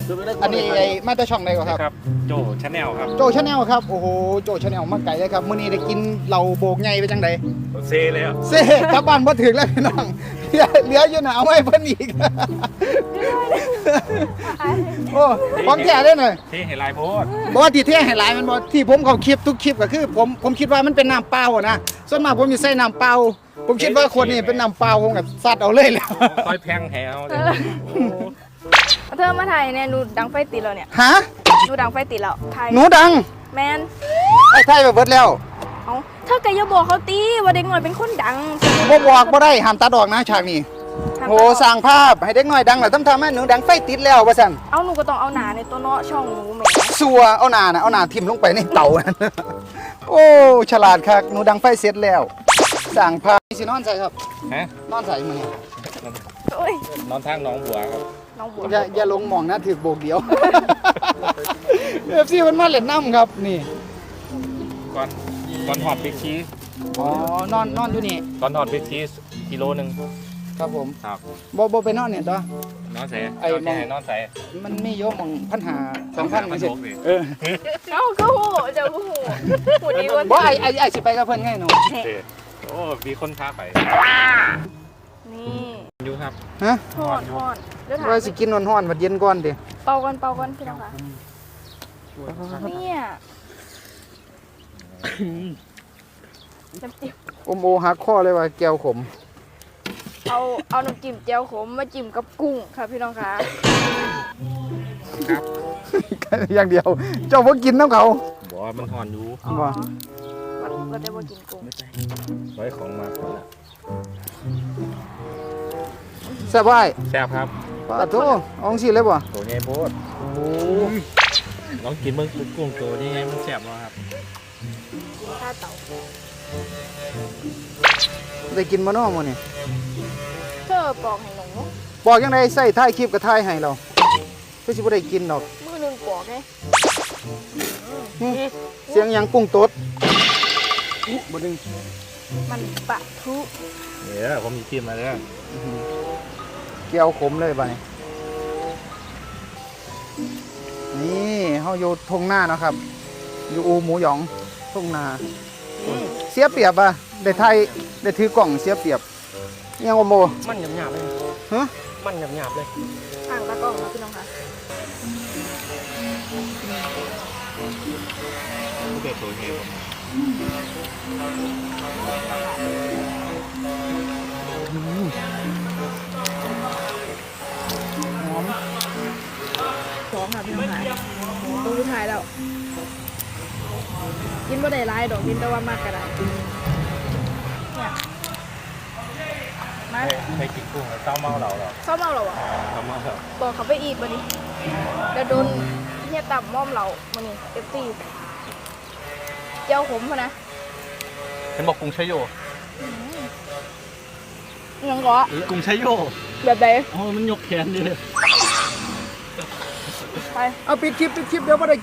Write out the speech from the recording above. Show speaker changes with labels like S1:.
S1: อันนี้ไอ้มาแต่ช่องใดก่อนครับ
S2: ครับโจชาแนลครับ
S1: โจชาแนลครับโอ้โหโจชาแนลมาไก่เลยครับมื้อนี้ได้กินเหล้าโบกใหญ่ไปจังได
S2: เซเลยครับ
S1: เซ่กลับบ้านบ่ถึงแล้วพี่น้องเหลืออยู่น่ะเอาไว้เพิ่นอีกโอ้ของแท้เด้อหน่อย
S2: ที่เห็นลายโพส
S1: บ่ว่าที่แท้ให้หลายมันบ่ที่ผมเข้าคลิปทุกคลิปก็คือผมคิดว่ามันเป็นน้ำเปล่าอะนะส่วนมากผมสิใส่น้ำเปล่าผมคิดว่าคนนี้เป็นน้ำเปล่าผมก็ซัดเอาเลยแล้ว
S2: ค่อยแพงแถวเลย
S3: เธอมาถ่ายเนี่ยหนูดังไฟติดแล้วเนี่ย
S1: ฮะ
S3: หนูดังไฟติดแล้วถ่าย
S1: หนูดัง
S3: แมน
S1: ไอ้ไทยไปเบิดแล้ว
S3: เอาเธอแกอย่าบอกเขาตีว่าเด็กหน่อยเป็นคนดัง
S1: บ่บอกบ่ได้ห้ามตัดออกนะฉากนี้โอ้สร้างภาพให้เด็กน้อยดังแล้วทำให้หนูดังไฟติดแล้วว่าซั่น
S3: เอาหนูก็ต้องเอาหนาในตัวเนาะช่องหนูแหม
S1: สัวเอาหน้าทิ่มลงไปในเตานั่นโอ้ฉลาดคักหนูดังไฟเสร็จแล้วสร้างภาพสินอนใส่ครับ
S2: ฮะ
S1: นอนใส่มื้อนี้
S3: โอ้ย
S2: นอนทางหน้องบัวครับ
S3: น้องบัว
S1: อย่าลงหมองนะถือโบกเดียว FC มันมาเล่นน้ำครับนี่
S2: ก่อนหอดบิ๊กชีส
S1: อ๋อนอนอยู่นี่
S2: ก่อนหอดบิ๊กชีสกิโลหนึ่ง
S1: ครับผม
S2: ครับ
S1: บ่ไปนอนเนี่ยตัวน
S2: อนใส่
S1: ไอ้
S2: นอนใส่
S1: มันมีโยมหมองพันหา2,000มันสิเออ
S3: เอาก็โหเจ้าก็โหหูดีกว่า
S1: บ่ไอ้สิไปกับเพิ่นไงหนู
S2: โอ้มีคนพาไป
S3: นี่
S2: อยู่ครับ
S1: ฮะ
S3: ทอดเดี๋ยวถาม
S1: ว่าสิกินร้อนๆบัดเย็นก่อนดิ
S3: เป่าก่อนพี่น้องค่ะเนี่ยน้ำจิ้ม
S1: อมโอหักคอเลยว่าแก้วขม
S3: เอาน้ำจิ้มเจียวขมมาจิ้มกับกุ้งค่ะพี่น้องค่ะ
S1: อย่างเดียว เจ้าบ่กินน้ำเขา
S2: บอกว่ามันหอนอยู่
S3: อ๋อ
S1: ว่า
S3: ก็ได้ว่ากินกุ้ง
S2: ไว้ของมาก่อนละ
S1: แซ่บไว้
S2: แซ่บครับ
S1: ปาโตเอาจังซี่เลยบ่
S2: ตัวใหญ่โพด
S1: โอ้
S2: ลองกินเบิ่งกุ้งตัวนี้ไงมันแซ่บบ่ครับ
S3: ข้าเต่า
S1: ได้กินบ่น้อมื้อนี้
S3: เธอปอกให้หนู
S1: บอกจังไดใส่ท้ายคลิปก็ถ่ายให้เราคือสิบ่ได้กินดอก
S3: มือหนึงปอกไง
S1: เสียงหยังกุ้งตดบ่ดึง
S3: มันปะทุ
S2: เนี่ยผมมีทีมมาแล้ว
S1: แก้วขมเลยบัดนี้นี่เฮาอยู่ทุ่งนาเนาะครับ อยู่อูหมูหยองทุ่งนา เสียเปรียบอ่ะได้ถือกล่องเสียเปรียบยังว่าโม
S4: มันหยาบๆเลย
S1: ฮะ
S4: มันหยาบๆเลย
S3: ห่างตะกล้องนะพี่น้องค่ะ
S2: ผู้เกิดตัวใหญ่ผม
S1: หอม
S3: สองค่ะพี่น้องค่ะตัวสุดท้ายแล้ว กินบ่ได้หลายดอกกินแต่ว่ามากกระไรเนี่ยมา
S2: ไปกินกุ้งแล้วเศร้าเมาเราเหรอ
S3: ชอบเมาเหรอวะ
S2: เศร้าเมาเรา
S3: บอกเขาไปอีกบัดนี้เดี๋ยวโดนเฮียต่ำม่อมเรามานี่เอฟซีเจ้าขมพะนะ
S4: ฉันบอกกรุงชัยโย
S3: ยังเหรอ
S4: หรือกรุงชัยโย
S3: แบบไหน
S4: อ๋อมันยกแขนอยู่เลย
S3: ไป
S1: เอาปิดคลิปเดี๋ยวบ่ได้